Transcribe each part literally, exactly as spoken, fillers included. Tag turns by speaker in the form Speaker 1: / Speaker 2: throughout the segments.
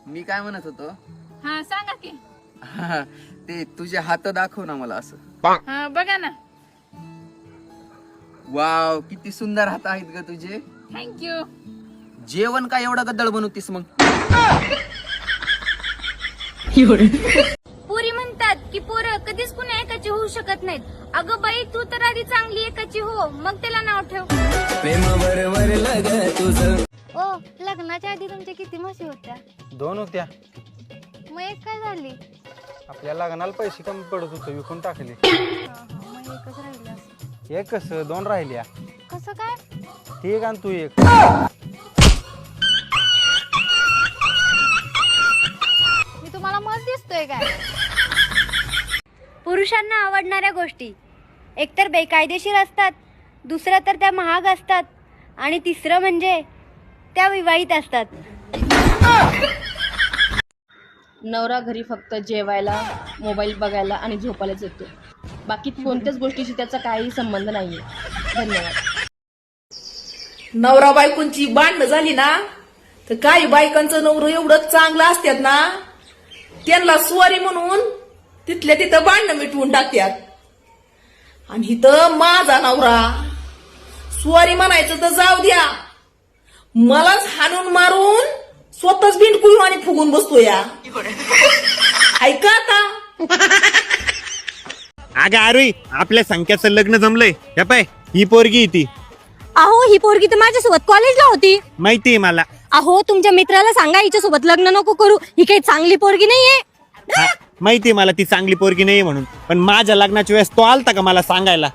Speaker 1: मी काय म्हणत होतो
Speaker 2: हा सांगा की.
Speaker 1: ते तुझे हात दाखव ना मला असं.
Speaker 2: हा बघा ना.
Speaker 1: वाव किती सुंदर हात आहेत ग तुझे.
Speaker 2: थँक्यू.
Speaker 1: जेवण काय एवढं गद्दळ बनवतीस मग.
Speaker 3: पुरी म्हणतात की पोरं कधीच कुणा एकाची होऊ शकत नाहीत. अगं बाई तू तर आधी चांगली एकाची हो मग त्याला नाव ठेव.
Speaker 4: ओ लग्नाच्या आधी तुमच्या किती म्हशी होत्या?
Speaker 5: दोन होत्या.
Speaker 4: मग एक काय झाली?
Speaker 5: आपल्या लग्नाला पैसे कमी पडत होते विकून टाकले.
Speaker 4: मग एकच राहिली असं.
Speaker 5: एक कसं दोन राहिल्या.
Speaker 4: कसं काय?
Speaker 5: ठीक आणि तू एक.
Speaker 4: मी तुम्हाला मत दिसतोय काय?
Speaker 3: पुरुषांना आवडणाऱ्या गोष्टी एकतर बेकायदेशीर असतात, दुसरं तर त्या महाग असतात आणि तिसरं म्हणजे त्या विवाहित असतात.
Speaker 6: नवरा घरी फक्त जेवायला, मोबाईल बघायला आणि झोपायलाच येतो. बाकी कोणत्याच गोष्टीशी त्याचा काही संबंध नाहीये. धन्यवाद.
Speaker 7: नवरा बायकोंची भांडणं झाली ना तर काही बायकांचं नवरं एवढं चांगलं असतात ना त्यांना स्वारी म्हणून तिथल्या तिथं भांडणं मिटवून टाकतात. आणि इथं माझा नवरा स्वारी म्हणायचं तर जाऊ द्या, मलाच हाणून मारून स्वतःच भिंडकुळून आणि फुगून बसतो या. ऐका आता.
Speaker 8: अगं अरे आपल्या संख्याचं लग्न जमलंय. हे पाय ही पोरगी ती.
Speaker 3: अहो ही पोरगी तर माझ्यासोबत कॉलेजला होती.
Speaker 8: माहितीये मला.
Speaker 3: अहो तुमच्या मित्राला सांगा हिच्यासोबत लग्न नको करू, ही काही चांगली पोरगी नाहीये.
Speaker 8: हा, माहितीये मला ती चांगली पोरगी नाहीये म्हणून. पण माझ्या लग्नाच्या वेळेस तो आलता का मला सांगायला.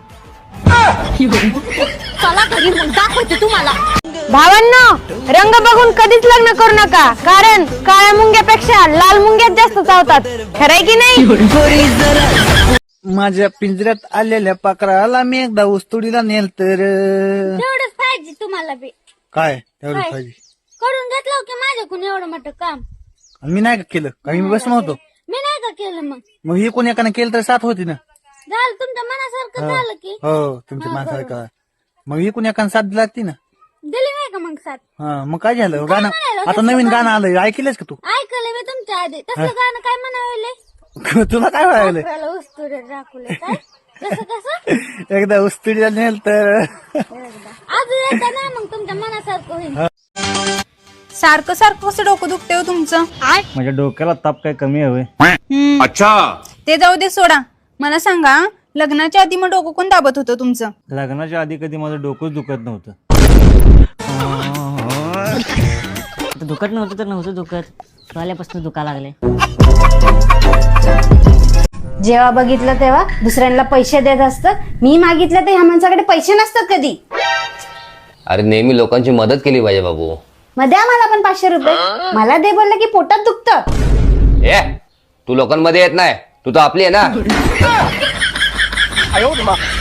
Speaker 3: चला घरी मग दाखवते तुम्हाला. भावांनो रंग बघून कधीच लग्न करू नका, कारण काळ्या मुंग्यापेक्षा लाल मुंग्यात जास्त चावतात. खरंय की नाही?
Speaker 5: माझ्या पिंजऱ्यात आलेल्या पाखराला मी एकदा उस्तुडीला नेल तर.
Speaker 3: तेवढंच पाहिजे तुम्हाला बी.
Speaker 5: काय तेवढं पाहिजे.
Speaker 3: करून घेतलं की माझ्याकडून एवढं मोठं काम.
Speaker 5: मी नाही का केलं काही मी बसलो होतो.
Speaker 3: मी नाही का केलं मग.
Speaker 5: मग हे कोणी एकाने केलं तर साथ होती ना.
Speaker 3: झालं तुमच्या मनासारखं झालं की.
Speaker 5: हो तुमच्या माणसाला. मग ही कोणी एकाने साथ लागती ना.
Speaker 3: दिली नाही का मग साथ.
Speaker 5: हा मग काय झालं गाणं आता नवीन गाणं आलंय ऐकलंस का तू.
Speaker 3: ऐकलं मी तुमच्या आधी तसं गाणं काय म्हणावले.
Speaker 5: तुला काय व्हायला.
Speaker 3: उस्तुरे राखले काय कसं कसं
Speaker 5: एकदा उस्तुडीला नेल तर.
Speaker 3: अजून एकदा ना मग तुमच्या मनासारखं होईल.
Speaker 2: सारखं सारखं कसं डोकं दुखते हो तुमचं.
Speaker 5: माझ्या डोक्याला ताप काय कमी हवे.
Speaker 8: अच्छा
Speaker 2: ते जाऊ दे सोडा. मला सांगा लग्नाच्या आधी मग डोकं कोण दाबत होतं तुमचं.
Speaker 5: लग्नाच्या आधी कधी माझं डोकंच दुखत नव्हतं.
Speaker 9: दुखत नव्हतं तर नव्हतं दुखत, आल्यापासून दुखा लागले.
Speaker 3: जेव्हा बघितलं तेव्हा दुसऱ्यांना पैसे देत असतं. मी मागितलं तर ह्या माणसाकडे पैसे नसतात कधी.
Speaker 10: अरे नेहमी लोकांची मदत केली पाहिजे बाबू.
Speaker 3: मग द्या मला पण पाचशे रुपये. मला दे बोललं की पोटात दुखतं.
Speaker 10: ए तू लोकांमध्ये येत नाही, तू तर आपली आहे ना.